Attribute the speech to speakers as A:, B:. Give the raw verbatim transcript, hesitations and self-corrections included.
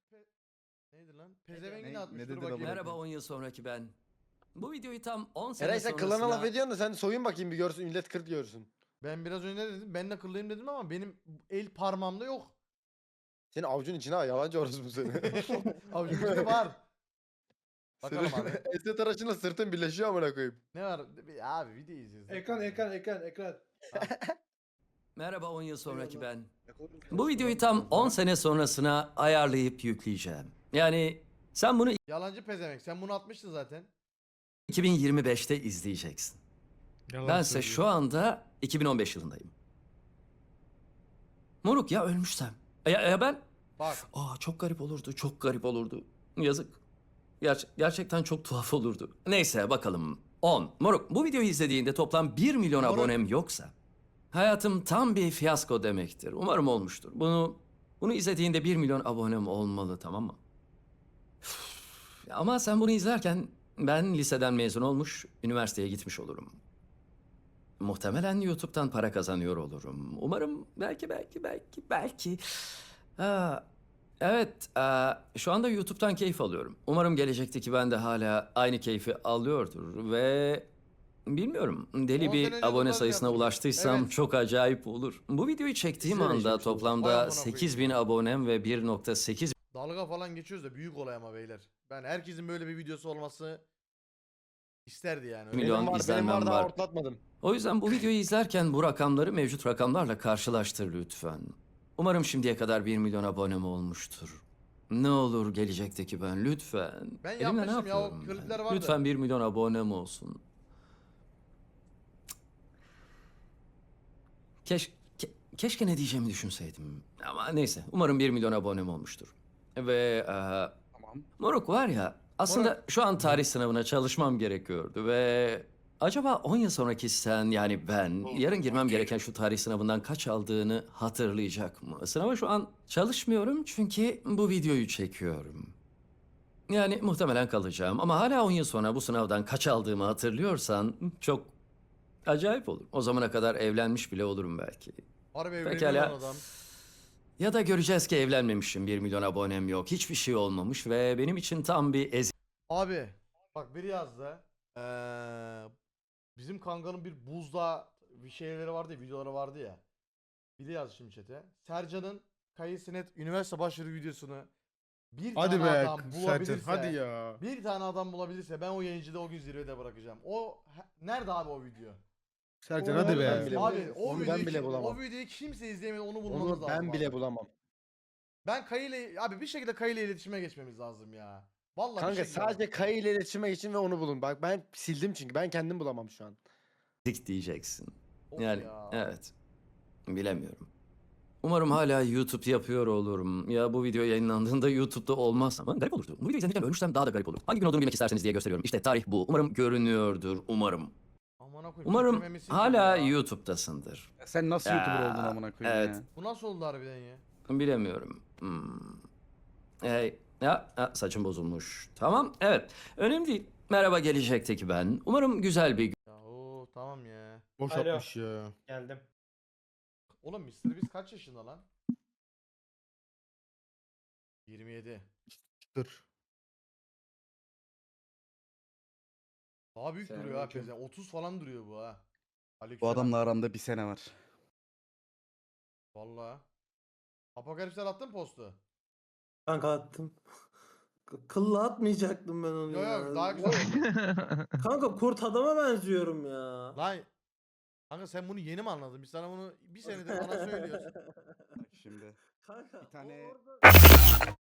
A: Pe- Neydi lan? Pezevengini
B: Ne-
A: atmış.
B: ne
A: Dur
B: dedi
A: bakayım.
B: baba?
C: Merhaba on yıl sonraki ben. Bu videoyu tam on sene
D: Eray sen
C: sonrasına...
D: klana laf ediyorsun da sen soyun bakayım bir görsün millet kırt görsün.
A: Ben biraz önce ne dedim? Ben de kıllıyım dedim ama benim el parmağımda yok.
D: Senin avucun içine ha yalancı orası bu seni.
A: Avucum içinde var. Bakalım
D: Senin
A: abi.
D: Esnet Araç'ınla sırtın birleşiyor amına koyayım.
A: Ne var? Abi video izliyoruz.
E: Ekran ekran ekran ekran.
C: Merhaba on yıl sonraki ben. Bu videoyu tam on sene sonrasına ayarlayıp yükleyeceğim. Yani sen bunu
A: Yalancı pezevenk. Sen bunu atmıştın zaten.
C: iki bin yirmi beşte izleyeceksin. Bense şu anda iki bin on beş yılındayım. Moruk ya ölmüşsem. Ya, ya ben...
A: Bak.
C: Aa çok garip olurdu, çok garip olurdu. Yazık. Ger- gerçekten çok tuhaf olurdu. Neyse bakalım. on. Moruk bu videoyu izlediğinde toplam bir milyon
A: Moruk.
C: abonem yoksa hayatım tam bir fiyasko demektir. Umarım olmuştur. Bunu bunu izlediğinde bir milyon abonem olmalı, tamam mı? Üf, ama sen bunu izlerken ben liseden mezun olmuş, üniversiteye gitmiş olurum. Muhtemelen YouTube'dan para kazanıyor olurum. Umarım belki belki belki belki. Aa, evet, aa, şu anda YouTube'dan keyif alıyorum. Umarım gelecekteki ben de hala aynı keyfi alıyordur ve bilmiyorum deli
A: on
C: bir
A: sene önce
C: abone
A: dolar
C: sayısına
A: yaptım.
C: ulaştıysam
A: Evet.
C: çok acayip olur. Bu videoyu çektiğim
D: Biz de öyle
C: anda
D: yaşamışız.
A: Vay
C: toplamda
A: amına
C: sekiz bin
A: koyayım.
C: abonem ve bir nokta sekiz
A: Dalga falan geçiyoruz da büyük olay ama beyler. Ben herkesin böyle bir videosu olması isterdi yani. Öyle.
C: Milyon
D: benim var, benim
C: izlenmem
D: var daha
C: var.
D: ortlatmadım.
C: O yüzden bu videoyu izlerken bu rakamları mevcut rakamlarla karşılaştır lütfen. Umarım şimdiye kadar bir milyon abonem olmuştur. Ne olur gelecekteki ben lütfen.
A: Ben
C: Elimle
A: yapmıştım
C: ne
A: ya, o
C: yapıyorum ben?
A: klipler vardı.
C: Lütfen bir milyon abonem olsun. Keş, ke- keşke ne diyeceğimi düşünseydim. Ama neyse umarım bir milyon abonem olmuştur. Ve eee,
B: Tamam.
C: moruk var ya aslında
A: Moruk.
C: şu an tarih sınavına çalışmam gerekiyordu ve acaba on yıl sonraki sen yani ben yarın girmem gereken şu tarih sınavından kaç aldığını hatırlayacak mı? Sınava şu an çalışmıyorum çünkü bu videoyu çekiyorum. Yani muhtemelen kalacağım ama hala on yıl sonra bu sınavdan kaç aldığımı hatırlıyorsan çok acayip olur. O zamana kadar evlenmiş bile olurum belki.
A: Harbi evleniyor
C: Pekala.
A: lan adam.
C: Ya da göreceğiz ki evlenmemişim, bir milyon abonem yok, hiçbir şey olmamış ve benim için tam bir eziyet.
A: Abi bak biri yazdı. Ee, bizim kankanın bir buzda bir şeyleri vardı ya, videoları vardı ya. Biri yazdı şimdi chat'e. Sercan'ın Kayısinet üniversite başvuru videosunu bir
B: Hadi
A: tane
B: be
A: adam
B: Sercan
A: bulabilirse,
B: hadi ya.
A: bir tane adam bulabilirse ben o yayıncıda o gün zirvede bırakacağım. O he- nerede abi o video?
B: Sercan
A: O-
B: hadi
D: ben
B: be.
D: bile-
A: Abi o
D: Onu ben
A: videoyu,
D: bile
A: kim-
D: bulamam.
A: o videoyu kimse izleyemedi, onu bulmamız
D: Onu
A: lazım.
D: ben
A: abi.
D: bile bulamam.
A: Ben Kayı ile abi bir şekilde Kayı ile iletişime geçmemiz lazım ya. Vallahi bir
D: Kanka
A: şekilde.
D: sadece Kayı ile iletişime geçin ve onu bulun. Bak ben sildim çünkü ben kendim bulamam şu an.
C: diyeceksin.
A: Of
C: Yani
A: ya.
C: evet. Bilemiyorum. Umarım hala YouTube yapıyor olurum. Ya bu video yayınlandığında YouTube'da olmaz ama garip olurdu. Bu videoyu izledikten ölmüşsem daha da garip olur. Hangi gün olduğunu bilmek isterseniz diye gösteriyorum. İşte tarih bu. Umarım görünüyordur. Umarım.
A: Amına koyayım,
C: Umarım
A: titrememesi
C: hala
A: gibi ya.
C: YouTube'dasındır.
B: Sen nasıl
C: Ya,
B: YouTuber oldun amına koyayım
C: evet.
B: ya?
A: Bu nasıl oldu harbiden ya?
C: Bilemiyorum. Hmm. Hey, ya, ya saçım bozulmuş. Tamam, evet. Önemli değil. Merhaba gelecekteki ben. Umarım güzel bir gün.
A: Ya o tamam ya.
B: Boş
E: Alo.
B: yapmış ya.
E: Geldim.
A: Oğlum mister Beast kaç yaşında lan? yirmi yedi.
B: Dur.
A: Daha büyük duruyor ha
E: Selamünaleyküm.
A: pezen. otuz falan duruyor bu ha.
B: Bu
A: Aleykümselam.
B: adamla aramda bir sene var.
A: Vallahi. Apokalipsler attın postu.
F: Kanka attım. K- Kılla atmayacaktım ben onu
A: Yo
F: ya.
A: yo daha güzel oldu.
F: Kanka kurt adama benziyorum ya.
A: Lan kanka sen bunu yeni mi anladın? Biz sana bunu bir senedir bana söylüyoruz.
B: Bak şimdi.
F: Kanka
B: Bir tane-
F: o orada...